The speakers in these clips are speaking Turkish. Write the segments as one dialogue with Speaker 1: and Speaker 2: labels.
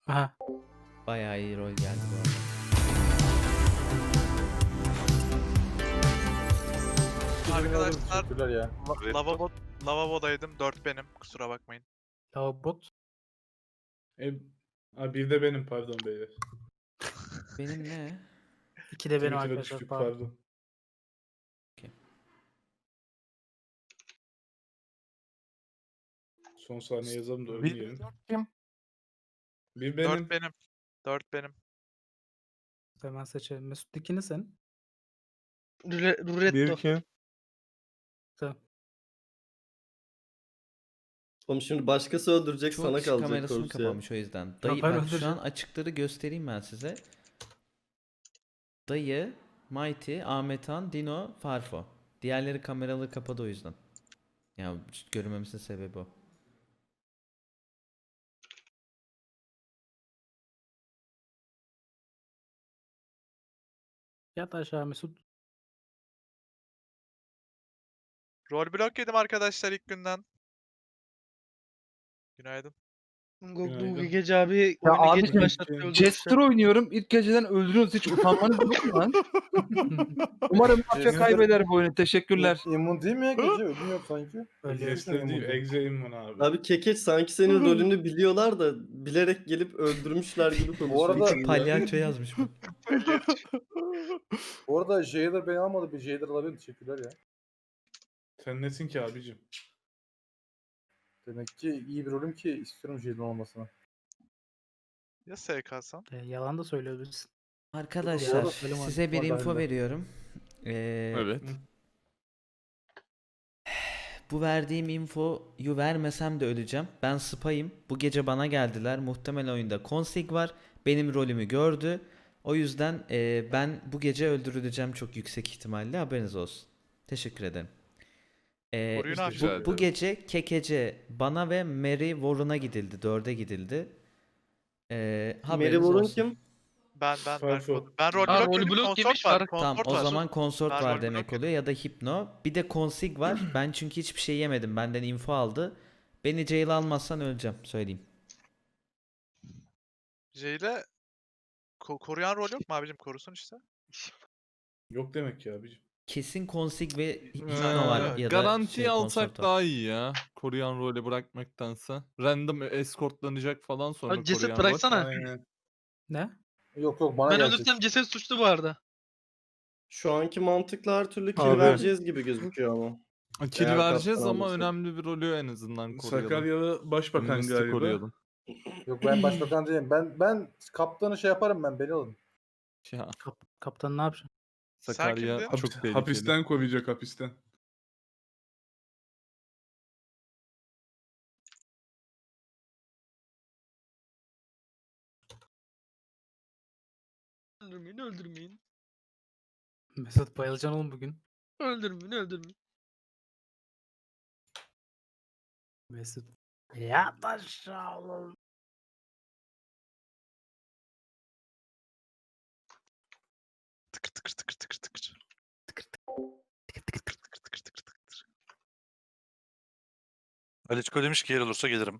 Speaker 1: Aha.
Speaker 2: Bayağı iyi rol geldi bu arada.
Speaker 3: Arkadaşlar
Speaker 4: Teşekkürler ya.
Speaker 3: lavabodaydım. 4 benim. Kusura bakmayın.
Speaker 1: Lavabot.
Speaker 4: Bir de benim pardon beyler.
Speaker 2: Benim ne?
Speaker 1: 2 de benim
Speaker 4: Twitter'a
Speaker 1: arkadaşlar.
Speaker 4: düştük
Speaker 1: Pardon.
Speaker 4: pardon. Son saniye yazalım da ölmeyelim.
Speaker 5: Kim?
Speaker 4: Bir
Speaker 3: 4
Speaker 4: benim.
Speaker 3: benim. 4 benim.
Speaker 1: Hemen seçelim. Mesut dikini sen.
Speaker 5: Ruretto.
Speaker 6: Bir kim?
Speaker 1: Tamam.
Speaker 7: Oğlum şimdi başkası öldürecek
Speaker 2: Çok
Speaker 7: sana
Speaker 2: kişi
Speaker 7: kalacak
Speaker 2: kamerasını
Speaker 7: korkusu ya.
Speaker 2: kapamış o yüzden. Dayı
Speaker 1: ben
Speaker 2: bak şu
Speaker 1: öldüreceğim.
Speaker 2: an açıkları göstereyim ben size. Dayı, Mighty, Ahmetan, Dino, Farfo. Diğerleri kameralı kapadı o yüzden. Ya görünmemesinin sebebi o.
Speaker 1: Yat aşağı Mesut.
Speaker 3: Rol blok yedim arkadaşlar ilk günden. Günaydın.
Speaker 5: Bu gece abi
Speaker 6: Ya
Speaker 5: oyunu geç
Speaker 6: abicim,
Speaker 5: başlattı öldürmüş.
Speaker 6: Jester oynuyorum. İlk geceden öldürüyorsunuz. Hiç utanmanız yok mu lan? Umarım mafya
Speaker 4: Jester-
Speaker 6: kaybeder bu oyunu. Teşekkürler.
Speaker 4: İmmun değil mi ya gece? Ölüm yok sanki.
Speaker 1: Öyle
Speaker 4: Jester değil. Exe immun abi.
Speaker 7: Abi Kekeç sanki senin rolünü biliyorlar da bilerek gelip öldürmüşler gibi konuşuyor.
Speaker 4: arada-
Speaker 2: Palyaço yazmış bu.
Speaker 4: Bu arada Jailer beni almadı. Bir Jailer alabilirim. Teşekkürler ya.
Speaker 8: Sen nesin ki abicim?
Speaker 4: Demek ki iyi bir rolüm ki istiyorum Jailer olmasını.
Speaker 3: Ya SK'san?
Speaker 1: Yalan da söyleyebilirsin.
Speaker 2: Arkadaşlar
Speaker 1: Doğru, söyleme abi.
Speaker 2: size bir
Speaker 4: Var
Speaker 2: info
Speaker 4: bende.
Speaker 2: veriyorum.
Speaker 6: Evet.
Speaker 2: Bu verdiğim infoyu vermesem de öleceğim. Ben spayım. Bu gece bana geldiler. Muhtemelen oyunda config var. Benim rolümü gördü. O yüzden ben bu gece öldürüleceğim çok yüksek ihtimalle. Haberiniz olsun. Teşekkür ederim.
Speaker 3: Koruyun abi.
Speaker 2: Bu gece Kekece bana ve Mary Warren'a gidildi. 4'e gidildi.
Speaker 7: Mary
Speaker 2: Haberiniz
Speaker 7: Warren
Speaker 2: olsun.
Speaker 7: kim?
Speaker 3: Ben
Speaker 8: Farfo.
Speaker 3: rol
Speaker 5: Aa,
Speaker 3: blok
Speaker 5: rol
Speaker 3: yedim.
Speaker 5: blok
Speaker 3: Konsort
Speaker 5: yemiş,
Speaker 3: var.
Speaker 5: Fark.
Speaker 2: Tamam
Speaker 3: Konsort
Speaker 2: o
Speaker 3: var.
Speaker 2: zaman konsort
Speaker 3: Ben
Speaker 2: var
Speaker 3: rol
Speaker 2: demek
Speaker 3: blok
Speaker 2: oluyor ya da hipno. Bir de config var. Ben çünkü hiçbir şey yemedim. Benden info aldı. Beni jail almazsan öleceğim söyleyeyim.
Speaker 3: Jay'le koruyan rol yok mu abicim? Korusun işte.
Speaker 8: Yok demek ki abicim.
Speaker 2: Kesin config ve hipno
Speaker 3: Ee,
Speaker 2: var ya da
Speaker 6: Garantiyi alsak
Speaker 2: konsort var.
Speaker 6: daha iyi ya. Koruyan rolü bırakmaktansa. Random escortlanacak falan sonra
Speaker 5: Abi ceset
Speaker 6: koruyan rol.
Speaker 5: bıraksana.
Speaker 8: Aynen.
Speaker 1: Ne?
Speaker 4: Yok bana
Speaker 5: Ben
Speaker 4: gelecek.
Speaker 5: ölürsem ceset suçlu bu arada.
Speaker 7: Şu anki mantıkla her türlü kill
Speaker 6: Abi.
Speaker 7: vereceğiz gibi gözüküyor ama.
Speaker 6: Kill
Speaker 7: Eğer
Speaker 6: vereceğiz
Speaker 7: kaptan
Speaker 6: ama
Speaker 7: alırsak.
Speaker 6: önemli bir rolü en azından koruyalım.
Speaker 8: Sakaryalı başbakan
Speaker 6: Mistik
Speaker 8: galiba.
Speaker 6: koruyalım.
Speaker 4: Yok ben başbakan değilim. Ben kaptanı şey yaparım ben. Beni alın.
Speaker 6: Ya,
Speaker 1: Kaptan ne yapacak?
Speaker 3: Sen
Speaker 6: Sakarya
Speaker 3: kimdin?
Speaker 6: çok tehlikeli.
Speaker 8: Hapisten kovacak hapisten.
Speaker 5: Öldürmeyin, öldürmeyin.
Speaker 1: Mesut bayılacaksın oğlum bugün.
Speaker 5: Öldürmeyin, öldürmeyin.
Speaker 1: Mesut. Yat aşağı oğlum.
Speaker 3: Tıkır tıkır tıkır tıkır tıkır.
Speaker 9: Aliçko demiş ki yer olursa gelirim.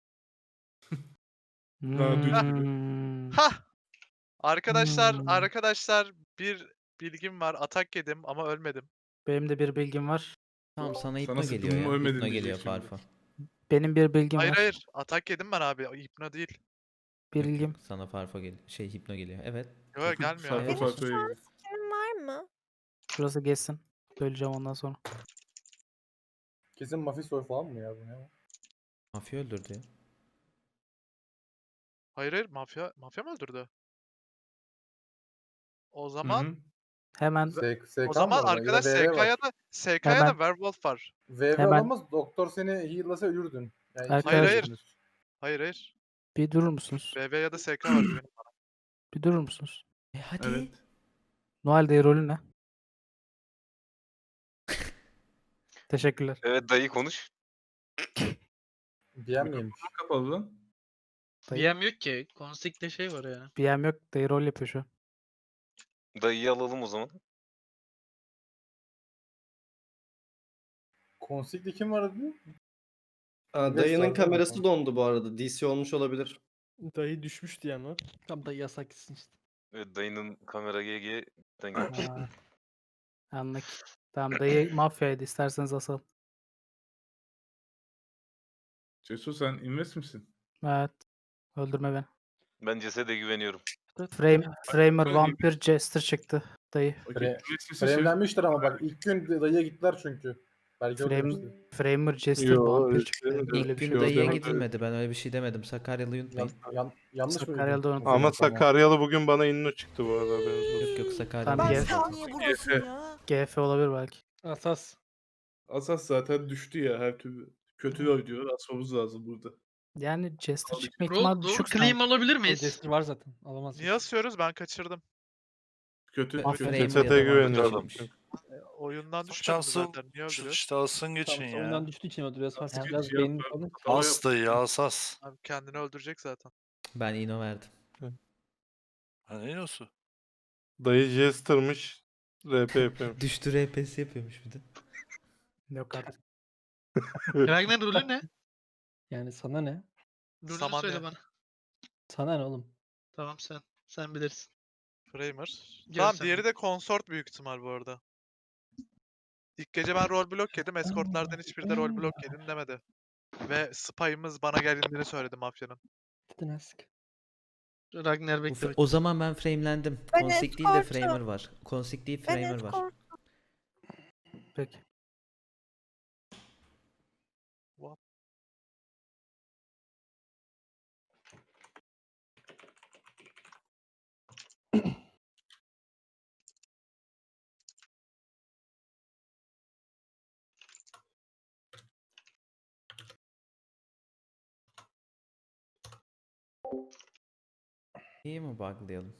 Speaker 8: Daha düz gibi.
Speaker 3: Hah! Arkadaşlar,
Speaker 1: Hmm.
Speaker 3: arkadaşlar bir bilgim var. Atak yedim ama ölmedim.
Speaker 1: Benim de bir bilgim var.
Speaker 2: Tamam sana hipno
Speaker 8: sıktım
Speaker 2: geliyor
Speaker 8: mı
Speaker 2: ya.
Speaker 8: ölmedin
Speaker 2: Hipno geliyor
Speaker 8: diyecek şimdi.
Speaker 2: Farfo.
Speaker 1: Benim bir bilgim
Speaker 3: Hayır
Speaker 1: var.
Speaker 3: hayır. Atak yedim ben abi. Hipno değil.
Speaker 1: Bir
Speaker 2: Yok,
Speaker 1: bilgim.
Speaker 2: yok, sana Farfo geliyor. Hipno geliyor. Evet.
Speaker 3: Yok gelmiyor
Speaker 8: Farfo
Speaker 3: abi.
Speaker 8: Farfo'ya gidiyor.
Speaker 10: Fikrin var mı?
Speaker 1: Şurası geçsin. Söyleyeceğim ondan sonra.
Speaker 4: Kesin Mafia falan mı ya bu ne?
Speaker 2: Mafya öldürdü ya.
Speaker 3: Hayır hayır. Mafya mı öldürdü? O
Speaker 8: Hı
Speaker 3: zaman
Speaker 8: hı.
Speaker 1: Hemen
Speaker 4: SK
Speaker 3: o zaman
Speaker 4: mı var?
Speaker 3: arkadaş
Speaker 4: Ya da VV
Speaker 3: SK
Speaker 4: var.
Speaker 3: ya da SK ya da
Speaker 1: Hemen.
Speaker 3: Werewolf var.
Speaker 4: VV
Speaker 1: Hemen.
Speaker 4: olamaz. Doktor seni heal'lasa ölürdün. Yani
Speaker 1: Hayır,
Speaker 4: ikisi
Speaker 3: hayır.
Speaker 4: ölürsünüz.
Speaker 3: Hayır hayır.
Speaker 1: bir durur musunuz?
Speaker 3: BB ya da SK var güvenin bana.
Speaker 1: Bir durur musunuz?
Speaker 2: Hadi.
Speaker 8: Evet.
Speaker 1: Noel Day rolü ne? Teşekkürler.
Speaker 9: Evet dayı konuş.
Speaker 4: DM miymiş?
Speaker 8: Kapalı lan.
Speaker 5: BM yok ki. Konsikte şey var ya.
Speaker 1: BM yok. Day rol yapıyor şu an.
Speaker 9: Dayıyı alalım o zaman.
Speaker 4: Konsikli kim var diyor?
Speaker 7: Aa,
Speaker 4: Evet,
Speaker 7: dayının
Speaker 4: sağ ol,
Speaker 7: kamerası
Speaker 4: tamam.
Speaker 7: dondu bu arada. DC olmuş olabilir.
Speaker 6: Dayı düşmüş diyen var.
Speaker 5: Tam da yasak gitsin işte.
Speaker 9: Evet, dayının kamera GG'den gelmiş.
Speaker 1: Ha, anlık. Tamam dayı mafyaydı. İsterseniz asalım.
Speaker 8: Cesur sen invest misin?
Speaker 1: Evet. Öldürme beni.
Speaker 9: Ben cesede güveniyorum.
Speaker 1: Framer,
Speaker 8: Böyle
Speaker 1: vampir, jester çıktı. Dayı.
Speaker 8: Okey,
Speaker 4: Fre-
Speaker 8: invest misin söyle.
Speaker 4: Framelenmiştir ama bak ilk gün dayıya gittiler çünkü. Belki öyle
Speaker 1: Frame,
Speaker 4: demişti.
Speaker 1: Framer, jester,
Speaker 6: Yo,
Speaker 1: vampir
Speaker 6: öyle
Speaker 1: çıktı.
Speaker 6: demedim.
Speaker 1: Öyle bir
Speaker 2: İlk
Speaker 1: şey
Speaker 2: gün
Speaker 1: yok.
Speaker 2: dayıya
Speaker 6: demedim.
Speaker 2: gidilmedi. Ben öyle bir şey demedim. Sakaryalı'yı unutmayın.
Speaker 4: Yanlış mı?
Speaker 1: Sakaryalı'da
Speaker 4: duydum?
Speaker 1: unutmayın.
Speaker 6: Ama
Speaker 4: Tamam.
Speaker 6: Sakaryalı bugün bana inno çıktı bu arada. haberiniz olsun.
Speaker 2: Yok yok Sakaryalı.
Speaker 1: Tamam,
Speaker 2: değil.
Speaker 1: gel.
Speaker 10: Niye buradasın ya?
Speaker 1: GF olabilir belki.
Speaker 5: Asas.
Speaker 8: Asas zaten düştü ya her türlü. Kötü oynuyor. Asmamız lazım burada.
Speaker 1: Yani jester
Speaker 8: Aldık.
Speaker 1: çıkma ihtimali
Speaker 5: Doğru
Speaker 1: düşük.
Speaker 5: claim
Speaker 1: sanki.
Speaker 5: alabilir miyiz?
Speaker 11: Jester var zaten. Alamaz.
Speaker 3: Niye asıyoruz? Ben kaçırdım.
Speaker 8: Kötü.
Speaker 2: Ben
Speaker 1: Aferin.
Speaker 2: Framer'ı
Speaker 6: Cesete
Speaker 2: yalamam.
Speaker 6: güveniyorum.
Speaker 3: Oyundan düşmedim
Speaker 9: Şanslı
Speaker 3: zaten. Niye öldürüyor?
Speaker 9: işte alsın geçin
Speaker 11: Tamam,
Speaker 9: ya.
Speaker 11: oyundan düştüğü için öldürüyoruz. Fark
Speaker 8: Asas
Speaker 11: biraz
Speaker 8: şey
Speaker 11: beynini
Speaker 8: yaptı,
Speaker 11: kalın.
Speaker 8: hata
Speaker 9: As
Speaker 8: yaptı.
Speaker 9: dayı asas.
Speaker 3: Abi kendini öldürecek zaten.
Speaker 2: Ben ino verdim.
Speaker 9: Ha ne diyorsun?
Speaker 6: Dayı Jester'mış. RP yapıyorum.
Speaker 2: Düştü RPS yapıyormuş bir de.
Speaker 1: Yok artık.
Speaker 5: Ragnar rolü ne?
Speaker 11: Yani sana ne?
Speaker 5: Rolünü
Speaker 3: Saman
Speaker 5: söyle
Speaker 3: ne?
Speaker 5: bana.
Speaker 11: Sana ne oğlum?
Speaker 5: Tamam sen bilirsin.
Speaker 3: Framer.
Speaker 5: Gel
Speaker 3: Tamam
Speaker 5: sen
Speaker 3: diğeri
Speaker 5: de.
Speaker 3: de consort büyük ihtimal bu arada. İlk gece ben rol block yedim. Escortlardan hiçbiri de rol block yedim demedi. Ve spy'ımız bana geldiğini söyledi mafyanın.
Speaker 11: Gidin ask.
Speaker 5: Ragnar
Speaker 2: Bu
Speaker 5: bekle.
Speaker 2: o zaman ben framelendim.
Speaker 10: Ben
Speaker 2: Consig değil de
Speaker 10: escortum.
Speaker 2: Framer var. Consig değil
Speaker 10: Ben
Speaker 2: Framer var.
Speaker 10: escort.
Speaker 1: Peki.
Speaker 2: İyi mi buglayalım?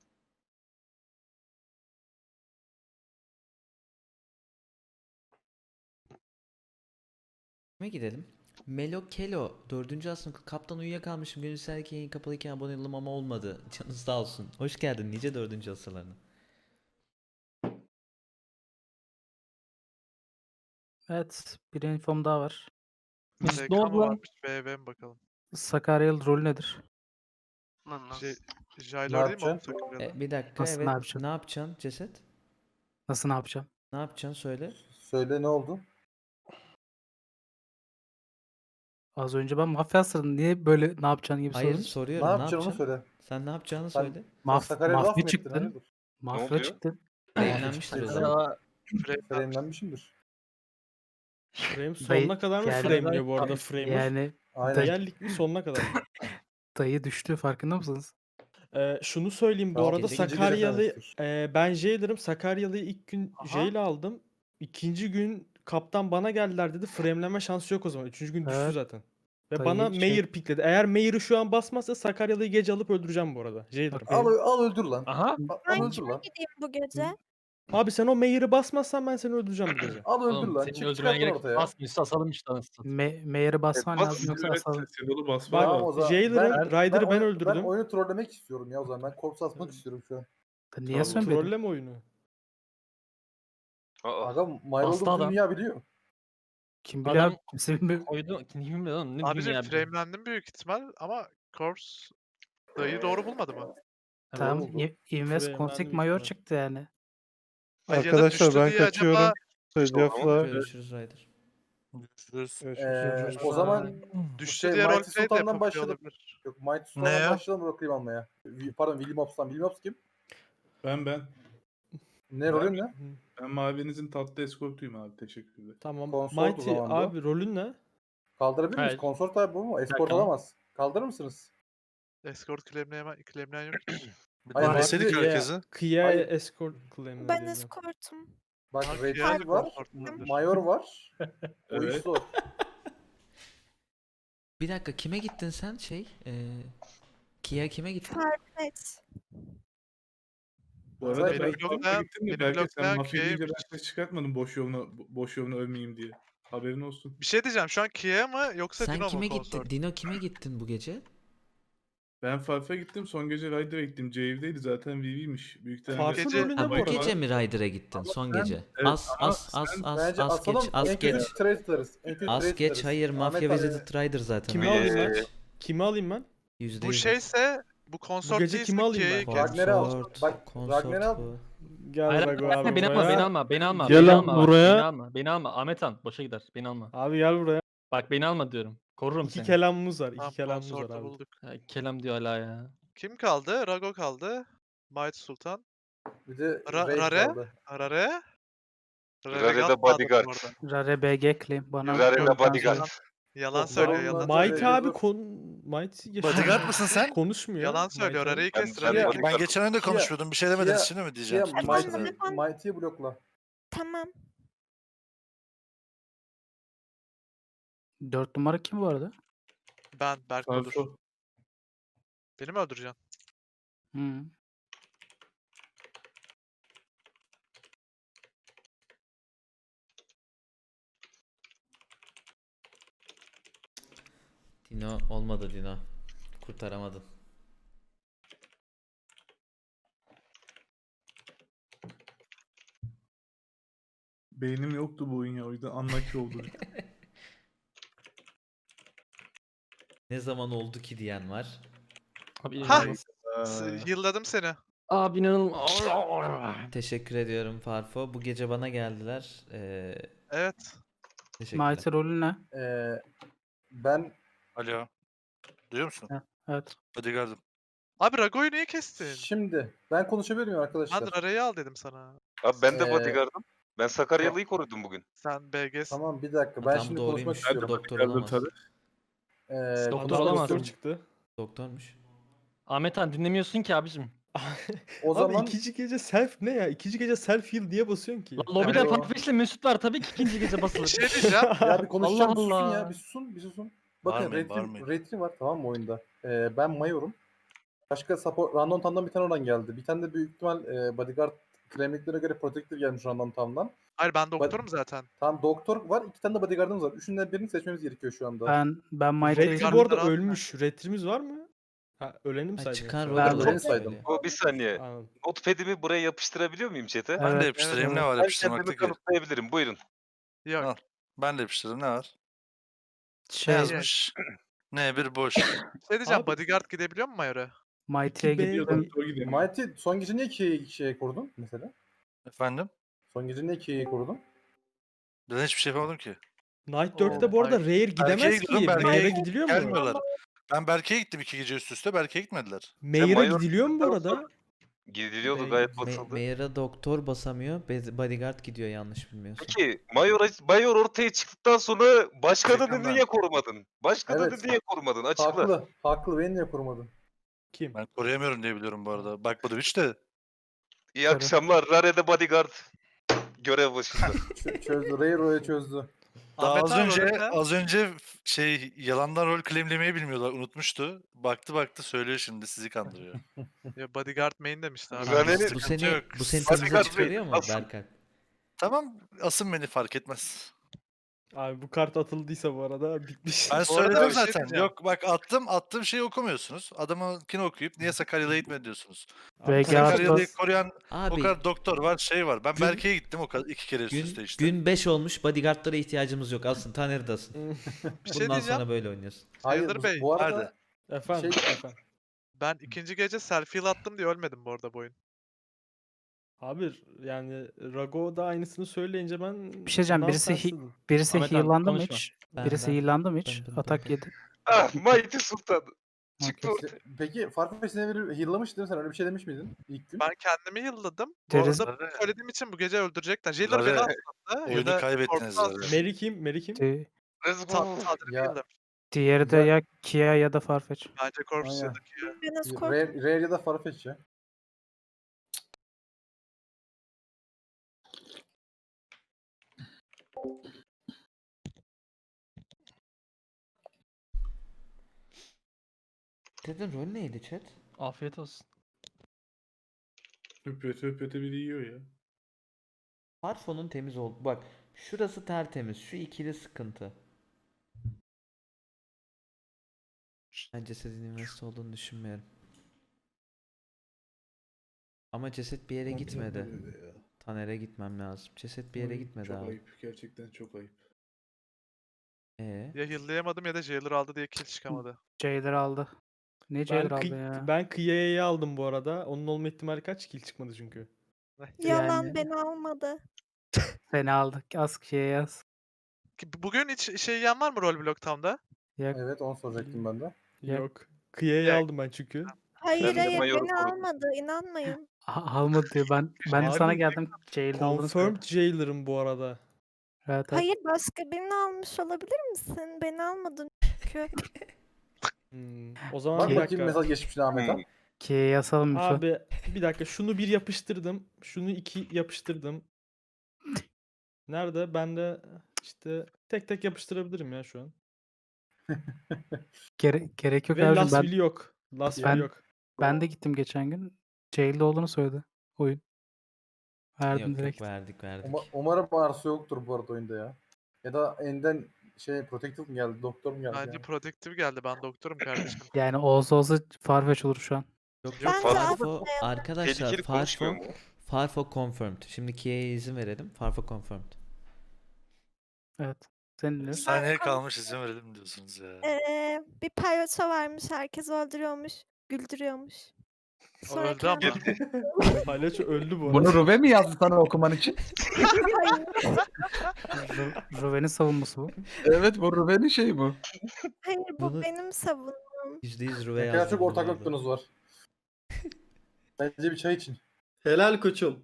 Speaker 2: Kime gidelim? Melo Kelo 4. asrın kaptan uyuyakalmışım. Gönül serki yayın kapalıyken abone oldum ama olmadı. Canınız sağ olsun. Hoş geldin nice 4. asırlarına.
Speaker 1: Evet. Bir infom daha var.
Speaker 3: SK
Speaker 11: ne oldu
Speaker 3: mı
Speaker 11: lan?
Speaker 3: varmış? BV mi bakalım?
Speaker 1: Sakaryalı rolü nedir?
Speaker 5: Lan lan.
Speaker 3: Jailor değil mi oğlum
Speaker 4: yapacaksın?
Speaker 3: Sakaryalı?
Speaker 2: Bir dakika
Speaker 1: Nasıl, ne
Speaker 2: evet.
Speaker 1: yapacaksın?
Speaker 2: Ne yapacaksın ceset?
Speaker 1: Nasıl ne yapacağım?
Speaker 2: Ne yapacaksın söyle.
Speaker 4: Söyle ne oldu?
Speaker 1: Az önce ben mafya asırdım. Niye böyle ne yapacağın gibi
Speaker 2: Hayır
Speaker 1: sordun?
Speaker 2: soruyorum
Speaker 4: Ne
Speaker 2: ne
Speaker 4: yapacaksın onu
Speaker 2: yapacaksın?
Speaker 4: söyle.
Speaker 2: Sen ne yapacağını
Speaker 4: Sen-
Speaker 2: söyle.
Speaker 4: Sakarya'ya laf mı
Speaker 1: mafya
Speaker 4: ettin?
Speaker 1: çıktın.
Speaker 4: Hayırdır?
Speaker 1: Mafya
Speaker 9: oluyor?
Speaker 1: çıktın.
Speaker 2: Framelenmiştir o zaman.
Speaker 4: Framelenmişimdir.
Speaker 6: Frame
Speaker 1: Dayı-
Speaker 6: sonuna kadar mı
Speaker 1: yani-
Speaker 6: frame'liyor bu arada Framer?
Speaker 1: Yani
Speaker 4: Aynen.
Speaker 6: Diğer lig mi sonuna kadar mı?
Speaker 1: dayı düştü farkında mısınız?
Speaker 6: Şunu söyleyeyim bu
Speaker 4: Tamam,
Speaker 6: arada
Speaker 2: ikinci
Speaker 4: gece
Speaker 6: Sakaryalı
Speaker 4: fenasıdır.
Speaker 6: ben Jailer'ım. Sakaryalı'yı ilk gün
Speaker 3: Aha.
Speaker 6: Jail aldım. İkinci gün kaptan bana geldiler dedi. Framelenme şansı yok o zaman. Üçüncü gün düştü
Speaker 1: Evet.
Speaker 6: zaten. Ve
Speaker 1: Dayı
Speaker 6: bana
Speaker 1: şey-
Speaker 6: Mayor pikledi. Eğer Mayor'ı şu an basmazsa Sakaryalı'yı gece alıp öldüreceğim bu arada. Jailer'ım.
Speaker 1: Bak,
Speaker 4: Al öldür lan.
Speaker 11: Aha.
Speaker 4: Al öldür
Speaker 10: Ben kime
Speaker 4: lan.
Speaker 10: gideyim bu gece?
Speaker 6: Abi sen o Mayor'ı basmazsan ben seni öldüreceğim bu gece.
Speaker 4: Al öldür
Speaker 11: Oğlum
Speaker 4: lan.
Speaker 11: senin
Speaker 4: Çık
Speaker 11: öldürmene
Speaker 4: çıkartın
Speaker 11: gerek
Speaker 4: ortaya.
Speaker 11: yok. Basmıyorsa asalım işte anasını.
Speaker 1: Mayor'ı basman
Speaker 8: Bas,
Speaker 1: lazım yoksa
Speaker 8: evet,
Speaker 1: asalım.
Speaker 8: sen onu basman
Speaker 4: Tamam o
Speaker 8: lazım.
Speaker 4: zaman.
Speaker 6: Jailer'ın Ryder'ı ben
Speaker 4: oyunu-
Speaker 6: öldürdüm.
Speaker 4: Ben oyunu trollemek istiyorum ya o zaman. Ben korpse atmak istiyorum şu an.
Speaker 1: Niye
Speaker 6: Tamam,
Speaker 1: söylemedin?
Speaker 6: trolleme oyunu.
Speaker 9: Aa,
Speaker 4: Aga Mayr
Speaker 11: Bastı
Speaker 4: olduğumuzu
Speaker 11: adam.
Speaker 4: dünya biliyor.
Speaker 1: Kim biliyor?
Speaker 11: Adam-
Speaker 1: abi? Kimse bilmiyor.
Speaker 11: Koydu. Kim bilmiyor oğlum. Ne
Speaker 3: Abicim
Speaker 11: dünya biliyor.
Speaker 3: framelendim büyük ihtimal ama Corpse dayı doğru bulmadı mı?
Speaker 1: Tamam.
Speaker 4: oldu.
Speaker 1: Invest
Speaker 6: Frame
Speaker 1: Config
Speaker 6: verdim
Speaker 1: Mayor
Speaker 6: işte.
Speaker 1: çıktı yani.
Speaker 3: Ay, ya da
Speaker 6: Arkadaşlar
Speaker 3: düştü
Speaker 6: ben
Speaker 3: diye
Speaker 6: kaçıyorum.
Speaker 3: acaba
Speaker 6: Secaf'la
Speaker 2: Görüşürüz Ryder.
Speaker 4: O zaman
Speaker 3: düştü
Speaker 4: şey,
Speaker 3: diye
Speaker 4: Mighty
Speaker 3: roleplay de
Speaker 4: Sultan'dan
Speaker 3: yapabiliyor
Speaker 4: başladık.
Speaker 3: olabilir.
Speaker 4: Yok Mighty
Speaker 9: Ne
Speaker 4: Sultan'dan
Speaker 9: ya?
Speaker 4: başlayalım bakayım almaya. Pardon William Ops'tan. William Ops kim?
Speaker 8: Ben.
Speaker 4: Ne rolün ne?
Speaker 8: Ben mavinizin tatlı eskortuyum abi. Teşekkürler.
Speaker 6: Tamam.
Speaker 4: Consort o
Speaker 6: Mighty
Speaker 4: zaman bu.
Speaker 6: abi rolün ne?
Speaker 4: Kaldırabilir miyiz?
Speaker 11: Evet.
Speaker 4: Konsort abi bu mu? Escort
Speaker 11: Tamam.
Speaker 4: alamaz. Kaldırır mısınız?
Speaker 3: Escort claimleyen yok ki.
Speaker 4: Hayır,
Speaker 9: Besledik
Speaker 4: Mighty-
Speaker 9: herkesi.
Speaker 6: Kia
Speaker 4: Hayır.
Speaker 6: Escort claim'ler
Speaker 10: Ben
Speaker 6: geliyor.
Speaker 10: escortum.
Speaker 4: Bak
Speaker 3: Bak,
Speaker 4: Red
Speaker 3: yani
Speaker 4: Knight var.
Speaker 3: consort olabilir.
Speaker 4: Mayor var. O
Speaker 8: Evet.
Speaker 4: iş zor.
Speaker 2: Bir dakika kime gittin sen Kia kime gittin?
Speaker 10: Evet.
Speaker 8: Bu arada
Speaker 4: Benim
Speaker 8: ben
Speaker 3: blokta-
Speaker 8: Mafya gittim de
Speaker 3: benim
Speaker 8: belki sen
Speaker 3: blokta
Speaker 8: mafya deyince
Speaker 3: Kia'yı-
Speaker 8: ben ses çıkartmadım boş yoluna ölmeyeyim diye. Haberin olsun.
Speaker 3: Bir şey diyeceğim şu an Kia mı yoksa
Speaker 2: Sen
Speaker 3: Dino mu
Speaker 2: kime
Speaker 3: consort?
Speaker 2: gittin? Dino kime gittin bu gece?
Speaker 8: Ben Farf'a gittim. Son gece Ryder'a gittim. Cave'deydi zaten VV'miş. Büyük ihtimalle.
Speaker 6: Farf'ın
Speaker 3: Gece-
Speaker 6: rolü
Speaker 2: Ha,
Speaker 6: ne
Speaker 2: bu
Speaker 6: bu arada?
Speaker 2: gece mi Ryder'a gittin? Son gece.
Speaker 8: evet,
Speaker 2: As
Speaker 8: ama
Speaker 2: as as
Speaker 8: sen-
Speaker 2: as
Speaker 4: Bence
Speaker 2: as
Speaker 4: asalım.
Speaker 2: geç as
Speaker 4: en kötü
Speaker 2: geç.
Speaker 4: trade tutarız. En kötü
Speaker 2: As
Speaker 4: trade
Speaker 2: geç
Speaker 4: tutarız.
Speaker 2: hayır
Speaker 4: Ahmet
Speaker 2: Mafya
Speaker 4: abi-
Speaker 2: Visited Rider zaten.
Speaker 6: Kimi
Speaker 2: o.
Speaker 6: alayım ben?
Speaker 9: Ee,
Speaker 6: Kimi alayım ben?
Speaker 2: %100
Speaker 3: Bu şeyse bu konsort
Speaker 6: gece
Speaker 3: değilse
Speaker 6: kimi alayım
Speaker 3: Kia'yı
Speaker 6: ben?
Speaker 3: kes.
Speaker 4: Ragner'i al.
Speaker 2: Konsort.
Speaker 4: Bak,
Speaker 2: Konsort
Speaker 4: Ragner'i al.
Speaker 2: bu.
Speaker 6: Gel
Speaker 11: Hayır,
Speaker 6: Rago
Speaker 11: hayır,
Speaker 6: abi
Speaker 11: beni alma, beni
Speaker 6: buraya.
Speaker 11: alma, beni alma,
Speaker 6: Gel
Speaker 11: beni
Speaker 6: lan
Speaker 11: alma, bak,
Speaker 6: buraya.
Speaker 11: beni alma, beni alma. Ahmet Han, boşa gider, beni alma.
Speaker 6: Abi gel buraya.
Speaker 11: Bak beni alma diyorum. Korurum
Speaker 6: İki
Speaker 11: seni.
Speaker 6: kelamımız var.
Speaker 3: Tamam,
Speaker 6: İki kelamımız var
Speaker 3: konsortu
Speaker 6: abi.
Speaker 3: bulduk.
Speaker 11: Ya, kelam diyor hala ya.
Speaker 3: Kim kaldı? Rago kaldı. Mighty Sultan.
Speaker 4: Bir de
Speaker 3: Rare?
Speaker 4: Raid kaldı.
Speaker 3: Rare?
Speaker 9: Rare'de
Speaker 3: Godfather
Speaker 9: bodyguard.
Speaker 3: bu arada.
Speaker 1: Rare BG claim. Bana
Speaker 3: Yok,
Speaker 9: Rare'de
Speaker 3: yok,
Speaker 9: bodyguard.
Speaker 3: Yalan
Speaker 4: Doktor
Speaker 3: söylüyor,
Speaker 4: olmadı.
Speaker 3: yalan.
Speaker 6: Mighty
Speaker 4: söylüyor.
Speaker 6: abi
Speaker 4: Dur.
Speaker 6: Mighty
Speaker 9: Bodyguard mısın sen?
Speaker 6: konuşmuyor.
Speaker 3: Yalan söylüyor.
Speaker 6: Mighty abi.
Speaker 3: Rare'yi kes,
Speaker 9: Ben
Speaker 3: Rare'yi
Speaker 9: bodyguard-
Speaker 3: kes.
Speaker 9: Ben geçen oyunda
Speaker 4: Kia-
Speaker 9: konuşmuyordum. Bir şey demediniz
Speaker 4: Kia-
Speaker 9: şimdi mi diyeceğim?
Speaker 4: Kia,
Speaker 10: Efendim?
Speaker 4: Mighty'yi blokla.
Speaker 10: Tamam.
Speaker 1: 4 numara kim bu arada?
Speaker 3: Ben, Berk olur.
Speaker 8: Farfo.
Speaker 3: Beni mi öldüreceksin?
Speaker 1: Hı.
Speaker 2: Dino olmadı Dino. Kurtaramadın.
Speaker 8: Beynim yoktu bu oyun ya. O yüzden unlucky oldu.
Speaker 2: Ne zaman oldu ki diyen var.
Speaker 11: Abi
Speaker 3: Ha!
Speaker 11: inanılmaz.
Speaker 3: Yılladım seni.
Speaker 11: Abi inanılmaz.
Speaker 2: Teşekkür ediyorum Farfo. Bu gece bana geldiler.
Speaker 3: Evet.
Speaker 2: Teşekkürler.
Speaker 1: Mighty rolü ne?
Speaker 4: Ben
Speaker 9: Alo. Duyuyor musun?
Speaker 1: Evet.
Speaker 9: Bodyguard'ım.
Speaker 3: Abi Rago'yu niye kestin?
Speaker 4: şimdi ben konuşabilir miyim arkadaşlar?
Speaker 3: Ben Rare'yi al dedim sana.
Speaker 9: Abi ben de
Speaker 4: Ee,
Speaker 9: bodyguard'ım. Ben Sakaryalı'yı korudum bugün.
Speaker 3: Sen BG'sin.
Speaker 4: Tamam bir dakika. Ben
Speaker 2: Tam
Speaker 4: şimdi
Speaker 2: doğruymuş.
Speaker 4: konuşmak istiyorum.
Speaker 2: Doktor
Speaker 8: Geldim
Speaker 2: olamaz.
Speaker 8: tabii.
Speaker 11: Doktor
Speaker 6: Adam
Speaker 11: olamaz.
Speaker 6: doktor çıktı.
Speaker 2: Doktormuş.
Speaker 11: Ahmet Han dinlemiyorsun ki abicim.
Speaker 4: O
Speaker 6: Abi
Speaker 4: zaman
Speaker 6: ikinci gece self ne ya? İkinci gece self heal niye basıyorsun ki?
Speaker 11: Lan lobide
Speaker 4: Alo.
Speaker 11: Farfetch'le Mesut var tabii ki ikinci gece
Speaker 3: Bir
Speaker 11: basılır.
Speaker 3: şey diyeceğim.
Speaker 4: ya bir konuşacağım.
Speaker 11: Allah
Speaker 4: bir susun
Speaker 11: Allah.
Speaker 4: ya. Bir susun. Bir susun. Bakın
Speaker 9: Bağırmayın, bağırmayın.
Speaker 4: retri var tamam mı oyunda? Ben Mayor'um. Başka support Random Town'dan bir tane oradan geldi. Bir tane de büyük ihtimal bodyguard kremliklere göre protector gelmiş Random Town'dan.
Speaker 3: Hayır ben doktorum zaten.
Speaker 4: Tamam doktor var. 2 tane de bodyguardımız var. Üçünden birini seçmemiz gerekiyor şu anda.
Speaker 1: Ben Mighty'yi
Speaker 6: Retri
Speaker 3: Bodyguard-
Speaker 6: bu arada
Speaker 3: Bodyguard'ları
Speaker 6: ölmüş. Retrimiz var mı? Ha öleni mi
Speaker 2: Ha,
Speaker 6: saydın?
Speaker 2: çıkan
Speaker 6: yoksa?
Speaker 2: rolü
Speaker 1: Ben
Speaker 2: olarak
Speaker 4: saydım.
Speaker 2: söylüyor.
Speaker 9: O bir saniye.
Speaker 6: Anladım.
Speaker 9: Notepad'imi buraya yapıştırabiliyor muyum chat'e?
Speaker 11: Ben
Speaker 1: Evet,
Speaker 11: de yapıştırayım
Speaker 1: evet.
Speaker 11: ne var
Speaker 9: Ben
Speaker 11: yapıştırmakta
Speaker 9: kendimi
Speaker 11: ki?
Speaker 9: kanıtlayabilirim. Buyurun.
Speaker 3: Yok.
Speaker 11: Al. Ben de yapıştırdım ne var?
Speaker 1: Şey,
Speaker 11: Ne yazmış? Ne boş.
Speaker 3: Şey diyeceğim.
Speaker 6: Abi-
Speaker 3: Bodyguard gidebiliyor mu Mayor'a?
Speaker 1: Mighty'ye
Speaker 6: İki B-
Speaker 1: gittim.
Speaker 8: Doktor gidelim.
Speaker 4: Mighty son gece niye şeye kurdun mesela?
Speaker 11: Efendim?
Speaker 4: Son gece niye Kia'yı kurdun?
Speaker 11: Ben hiçbir şey yapamadım ki.
Speaker 6: Night 4'te bu arada Rare gidemez ki.
Speaker 11: gidiyorum, Berke'ye
Speaker 6: Mayer'e gidiliyor mu?
Speaker 11: Gelmiyorlar. Ben Berke'ye gittim 2 gece üst üste. Berke'ye gitmediler.
Speaker 6: Mayer'e
Speaker 9: Mayor-
Speaker 6: gidiliyor mu bu arada?
Speaker 9: Gidiliyordu gayet basıldı.
Speaker 2: Mayor'a doktor basamıyor. Bodyguard gidiyor yanlış bilmiyorsam.
Speaker 9: Peki Mayor ortaya çıktıktan sonra başkanını
Speaker 11: Yakında.
Speaker 9: niye korumadın? Başkanını
Speaker 4: Evet.
Speaker 9: niye korumadın? Açıkla.
Speaker 4: Haklı. Haklı. Beni niye korumadın?
Speaker 6: Kim?
Speaker 11: Ben koruyamıyorum diye biliyorum bu arada. Bakmadım hiç de.
Speaker 9: İyi akşamlar. Rare'de bodyguard. Görev başında.
Speaker 4: Çözdü. Rairo'yu çözdü.
Speaker 11: Daha
Speaker 3: Ahmet
Speaker 11: az
Speaker 3: abi
Speaker 11: önce
Speaker 3: rolü ne?
Speaker 11: az önce yalandan rol claimlemeyi bilmiyorlar. Unutmuştu. Baktı söylüyor şimdi sizi kandırıyor.
Speaker 3: Ya Bodyguard main demişti abi.
Speaker 9: Rare'nin
Speaker 2: Bu
Speaker 11: sıkıntı
Speaker 2: seni
Speaker 11: yok.
Speaker 2: bu seni
Speaker 9: Bodyguard
Speaker 2: temize
Speaker 9: değil,
Speaker 2: çıkarıyor mu
Speaker 9: asıl.
Speaker 2: Berkay?
Speaker 11: Tamam asın beni fark etmez.
Speaker 6: Abi bu kart atıldıysa bu arada bitmiş.
Speaker 11: Ben
Speaker 3: Bu arada
Speaker 11: söyledim
Speaker 3: bir şey
Speaker 11: zaten.
Speaker 3: diyeceğim.
Speaker 11: Yok bak attığım şeyi okumuyorsunuz. Adamınkini okuyup niye Sakaryalı'ya gitmedi diyorsunuz.
Speaker 1: VG
Speaker 11: Sakaryalı'yı
Speaker 1: Atlas.
Speaker 11: koruyan o
Speaker 2: Abi
Speaker 11: kadar doktor var şey var. Ben
Speaker 2: Gün-
Speaker 11: Berke'ye gittim o kadar 2 kere üst üste işte.
Speaker 2: gün 5 olmuş bodyguardlara ihtiyacımız yok. Alsın Taner'i de asın.
Speaker 3: Bir şey
Speaker 2: Bundan
Speaker 3: diyeceğim.
Speaker 2: sonra böyle oynuyorsun.
Speaker 4: Hayır
Speaker 3: Sayılır Bey,
Speaker 4: bu arada
Speaker 11: nerede?
Speaker 6: Efendim,
Speaker 4: Şey-
Speaker 6: efendim.
Speaker 3: Ben ikinci gece selfie attım diye ölmedim bu arada bu oyun.
Speaker 6: Abi yani Rago da aynısını söyleyince ben
Speaker 1: Bir şey diyeceğim,
Speaker 6: bundan
Speaker 1: birisi
Speaker 6: sensin.
Speaker 1: Birisi
Speaker 11: Ahmet abi,
Speaker 1: heal'landı mı
Speaker 11: konuşma.
Speaker 1: hiç?
Speaker 2: Ben-
Speaker 1: Birisi
Speaker 2: ben-
Speaker 1: heal'landı mı hiç?
Speaker 2: ben-
Speaker 1: Atak yedi.
Speaker 9: Ah Mighty Sultan. Çıktı
Speaker 1: Okey.
Speaker 9: ortaya.
Speaker 4: peki Farfetch seni biri heal'lamış değil mi sen? Öyle bir şey demiş miydin ilk gün?
Speaker 3: Ben kendimi yılladım. Bu
Speaker 1: Deriz-
Speaker 3: arada bunu söylediğim için bu gece öldürecekler. Jailer beni
Speaker 11: Rare,
Speaker 3: atladı. Ya
Speaker 11: oyunu
Speaker 3: da
Speaker 11: kaybettiniz
Speaker 3: Corpse'u
Speaker 11: zaten.
Speaker 3: atladı.
Speaker 6: Mary kim? Mary kim?
Speaker 9: Let's go.
Speaker 3: Tadrik
Speaker 4: Ya-
Speaker 3: yılladım.
Speaker 1: Diğeri de
Speaker 4: Güzel.
Speaker 1: ya Kia ya da Farfetch.
Speaker 3: Bence Corpse
Speaker 4: Aynen.
Speaker 3: ya da Kia.
Speaker 10: Ben escort.
Speaker 4: Rare ya da Farfetch ya.
Speaker 2: Dedin rol neydi chat?
Speaker 11: Afiyet olsun.
Speaker 8: Höpöte biri yiyor ya.
Speaker 2: Farfo'nun temiz oldu. Bak şurası tertemiz. Şu ikili sıkıntı. Ben cesedin üniversite olduğunu düşünmüyorum. Ama ceset bir yere gitmedi.
Speaker 8: Ya.
Speaker 2: Taner'e gitmem lazım. Ceset bir yere
Speaker 8: Ay,
Speaker 2: gitmedi
Speaker 8: çok
Speaker 2: abi.
Speaker 8: ayıp. Gerçekten çok ayıp.
Speaker 3: Ya heal'layamadım ya da Jailer aldı diye kill çıkamadı.
Speaker 1: Jailer aldı. Ne
Speaker 12: Ben,
Speaker 1: Jailer aldı ya?
Speaker 12: ben Kıya'yı aldım bu arada. Onun olma ihtimali kaç? Kill çıkmadı çünkü.
Speaker 10: Yalan
Speaker 1: Yani-
Speaker 10: beni almadı.
Speaker 1: Seni aldık. Az kişiye yaz.
Speaker 3: Bugün hiç şey yiyen var mı Roblox tamda?
Speaker 1: Yok.
Speaker 4: Evet onu soracaktım ben de.
Speaker 1: Ya-
Speaker 12: Yok. Kıya'yı
Speaker 3: Ya-
Speaker 12: aldım ben çünkü.
Speaker 10: Hayır
Speaker 9: Ben de
Speaker 10: hayır
Speaker 9: Mayor'u
Speaker 10: beni
Speaker 9: korudum.
Speaker 10: almadı. İnanmayın.
Speaker 1: Almadı diyor. Ben de sana
Speaker 12: Abi,
Speaker 1: geldim. Jail'de olduğunu
Speaker 12: Confirmed
Speaker 1: söyledim.
Speaker 12: Jailer'ım bu arada.
Speaker 1: Evet, evet.
Speaker 10: Hayır başka birini almış olabilir misin? Beni almadın çünkü.
Speaker 12: O zaman
Speaker 4: Bak
Speaker 12: bir
Speaker 4: bakayım
Speaker 12: dakika.
Speaker 4: mesaj geçmiş Ahmet'e.
Speaker 9: Hmm.
Speaker 1: Ki'ye yasalım bir şey.
Speaker 12: Abi bir dakika şunu bir yapıştırdım. Şunu 2 yapıştırdım. Nerede? Ben de işte tek tek yapıştırabilirim ya şu an.
Speaker 1: Gerek yok
Speaker 12: Ve
Speaker 1: abicim.
Speaker 12: Last
Speaker 1: Ben,
Speaker 12: Will yok. Last
Speaker 1: Ben-
Speaker 12: Will yok.
Speaker 1: ben de gittim geçen gün. Jail'de olduğunu söyledi. Oyun. Verdim
Speaker 2: Yok
Speaker 1: direkt.
Speaker 2: yok verdik.
Speaker 4: Umarım Arsu yoktur bu arada oyunda ya. Ya da Enden Protective mi geldi? Doktor mu geldi?
Speaker 3: Bence
Speaker 4: yani?
Speaker 3: Protective geldi. Ben doktorum kardeşim.
Speaker 1: Yani olsa Farfetch olur şu an.
Speaker 2: Yok
Speaker 10: Bence
Speaker 2: Farfo arkadaşlar
Speaker 9: Tehlikeli konuşmuyor
Speaker 2: Farfo
Speaker 9: mu?
Speaker 2: Farfo confirmed. Şimdi Kia'ya izin verelim. Farfo confirmed.
Speaker 1: Evet. Senin
Speaker 11: Bir
Speaker 1: ne?
Speaker 11: saniye kalmış izin verelim diyorsunuz ya.
Speaker 10: Bir palyaço varmış. Herkes öldürüyormuş. Güldürüyormuş. Sonra
Speaker 3: öldü ama.
Speaker 10: kendi-
Speaker 12: Palyaço öldü bu arada.
Speaker 6: Bunu Ruve mi yazdı sana okuman için?
Speaker 1: Ruven'in savunması bu.
Speaker 6: Evet bu Ruve'nin şeyi bu.
Speaker 10: Hayır bu
Speaker 2: Bunu-
Speaker 10: benim savunmam.
Speaker 2: %100 Ruve
Speaker 4: Ne kadar
Speaker 2: yazdı
Speaker 4: çok
Speaker 2: bu
Speaker 4: ortak
Speaker 2: arada.
Speaker 4: noktanız var. Bence bir çay için.
Speaker 7: Helal koçum.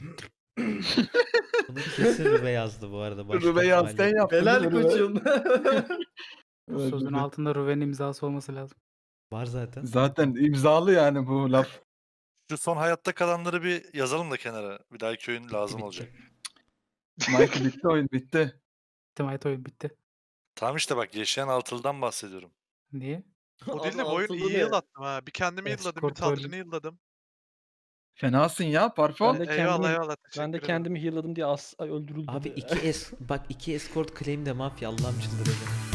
Speaker 2: Bunu kesin Ruve yazdı bu arada. Başka
Speaker 6: Ruve yaz sen
Speaker 2: ihtimalle.
Speaker 6: yaptın.
Speaker 7: Helal
Speaker 6: Ruve.
Speaker 7: koçum.
Speaker 1: Bu sözün altında Ruven'in imzası olması lazım.
Speaker 2: Var zaten.
Speaker 6: Zaten imzalı yani bu laf.
Speaker 11: Şu son hayatta kalanları bir yazalım da kenara. Bir dahaki oyun lazım
Speaker 2: bitti.
Speaker 11: olacak.
Speaker 6: Mike bitti oyun bitti.
Speaker 1: Timayet oyun bitti.
Speaker 11: Tamam işte bak yaşayan Altılı'dan bahsediyorum.
Speaker 1: Niye?
Speaker 3: O değil de
Speaker 7: Abi
Speaker 3: bu oyun
Speaker 7: altılı
Speaker 3: iyi
Speaker 7: ne?
Speaker 3: yıl attım ha. Bir kendimi yılladım, bir
Speaker 1: Escort öyle.
Speaker 3: Talrin'i yılladım.
Speaker 6: Fenasın ya Parfo.
Speaker 5: Ben de
Speaker 3: Eyvallah
Speaker 5: kendimi-
Speaker 3: eyvallah. Teşekkür
Speaker 5: Ben de
Speaker 3: ederim.
Speaker 5: kendimi heal'ladım diye öldürüldüm.
Speaker 2: Abi iki escort claim de mafya Allah'ım çıldıracağım.